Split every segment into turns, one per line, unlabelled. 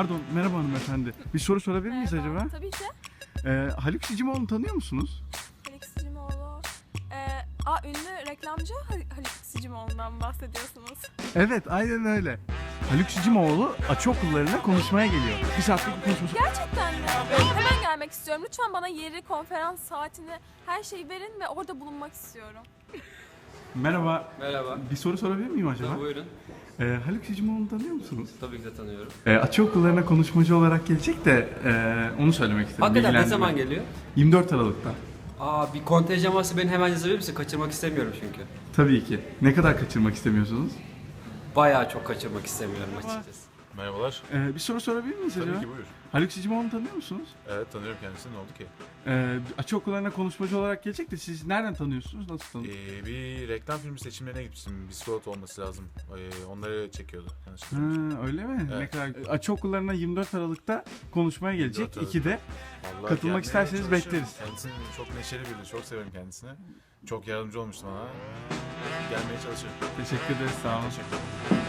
Pardon, merhaba hanımefendi. Bir soru sorabilir miyiz acaba?
Tabii ki.
Haluk Sicimoğlu'nu tanıyor musunuz?
Haluk Sicimoğlu. Ünlü reklamcı Haluk Sicimoğlu'ndan bahsediyorsunuz.
Evet, aynen öyle. Haluk Sicimoğlu açı okullarına konuşmaya geliyor. Bir saatlik bir konuşması.
Gerçekten mi? Hemen gelmek istiyorum. Lütfen bana yeri, konferans saatini, her şeyi verin ve orada bulunmak istiyorum.
Merhaba.
Merhaba.
Bir soru sorabilir miyim acaba?
Tabii, buyurun.
Haluk Sicimoğlu'nu tanıyor musunuz?
Tabii ki de tanıyorum.
Açı okullarına konuşmacı olarak gelecek de onu söylemek istedim.
Hakikaten ne
bilgilendirmek.
zaman geliyor?
24 Aralık'ta.
Bir kontenjan varsa beni hemen yazabilir misin? Kaçırmak istemiyorum çünkü.
Tabii ki. Ne kadar kaçırmak istemiyorsunuz?
Bayağı çok kaçırmak istemiyorum açıkçası.
Merhabalar.
Bir soru sorabilir miyiz acaba?
Tabii ki buyur.
Haluk Sicimoğlu'nu tanıyor musunuz?
Evet tanıyorum kendisini. Ne oldu ki?
Açı okullarına konuşmacı olarak gelecek de siz nereden tanıyorsunuz? Nasıl tanıyorsunuz?
Bir reklam filmi seçimlerine gitmiştim. Bisiklet olması lazım. Onları çekiyordu. Yanlış
Ha, öyle mi?
Evet.
Ne kadar... Açı okullarına 24 Aralık'ta konuşmaya gelecek.
24 Aralık.
2'de.
Vallahi
Katılmak
gelmeye
isterseniz
çalışıyorum.
bekleriz.
Kendisini çok neşeli biri. Çok severim kendisini. Çok yardımcı olmuştu bana. Gelmeye çalışıyorum.
Teşekkür ederiz. Sağ olun.
Teşekkür ederim.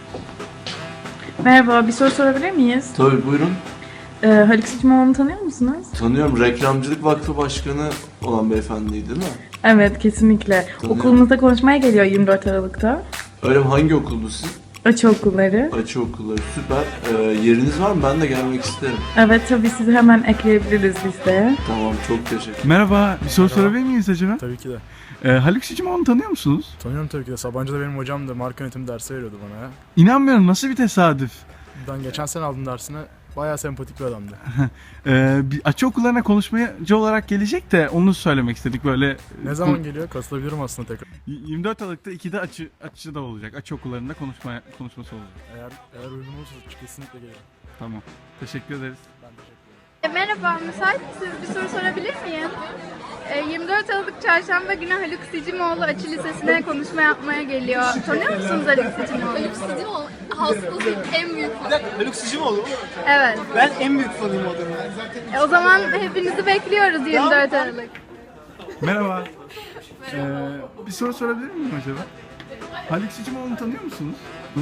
Merhaba, bir soru sorabilir miyiz?
Tabii buyurun.
Haluk Sicimoğlu'nu tanıyor musunuz?
Tanıyorum. Reklamcılık Vakfı Başkanı olan beyefendiyi değil mi?
Evet, kesinlikle.
Tanıyorum.
Okulumuzda konuşmaya geliyor 24 Aralık'ta.
Öyle mi? Hangi okuldu sizin?
Açı okulları.
Açı okulları. Süper. Yeriniz var mı? Ben de gelmek isterim.
Evet, tabii sizi hemen ekleyebiliriz listeye.
Tamam. Çok teşekkür.
Merhaba. Bir soru sorabilir miyiz acaba?
Tabii ki de.
Haluk Sicimoğlu'nu tanıyor musunuz?
Tanıyorum tabii ki de. Sabancı'da benim hocam da marka yönetimi dersi veriyordu bana ya.
İnanmıyorum. Nasıl bir tesadüf?
Ben geçen sene aldım dersini. Bayağı sempatik bir adamdı.
Bir açı okullarına konuşmacı olarak gelecek de onu söylemek istedik böyle.
Ne zaman geliyor? Katılabilirim aslında tekrar.
24 Aralık'ta 2'de açı da olacak. Açı okullarında konuşması olacak.
Eğer uygun olursa kesinlikle gelirim.
Tamam. Teşekkür ederiz.
Ben teşekkür ederim.
Merhaba, müsait misiniz? Bir soru sorabilir miyim? 24 Aralık Çarşamba günü Haluk Sicimoğlu Açı Lisesi'ne konuşma yapmaya geliyor. Tanıyor musunuz Haluk Sicimoğlu?
Haluk Sicimoğlu hastasıyım. En büyük fanım.
Haluk Sicimoğlu mu?
Evet.
Ben en büyük fanıyım o adamın.
O zaman hepinizi bekliyoruz 24 Aralık.
Merhaba. Bir soru sorabilir miyim acaba? Haluk Sicimoğlu'nu tanıyor musunuz?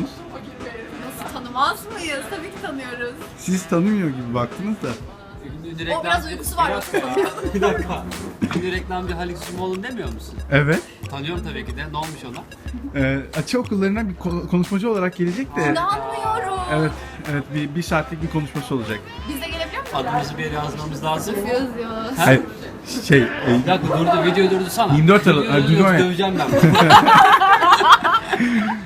Nasıl tanımaz mıyız? Tabii ki tanıyoruz.
Siz tanımıyor gibi baktınız da.
O biraz uykusu var.
Bir dakika. Ünlü reklamcı Haluk Sicimoğlu'nu demiyor musun?
Evet.
Tanıyorum tabii ki de. Ne olmuş ona?
Açı okullarına bir konuşmacı olarak gelecek de.
İnanmıyorum.
Evet, evet bir saatlik bir konuşması olacak.
Biz de gelebiliyor muyuz?
Adımızı bir yere yazmamız lazım.
Yazıyoruz.
Hayır,
Bir dakika durdu, video durdu sana.
24 Aralık-
Video durdu,
Video
yoksa
ya.
döveceğim ben.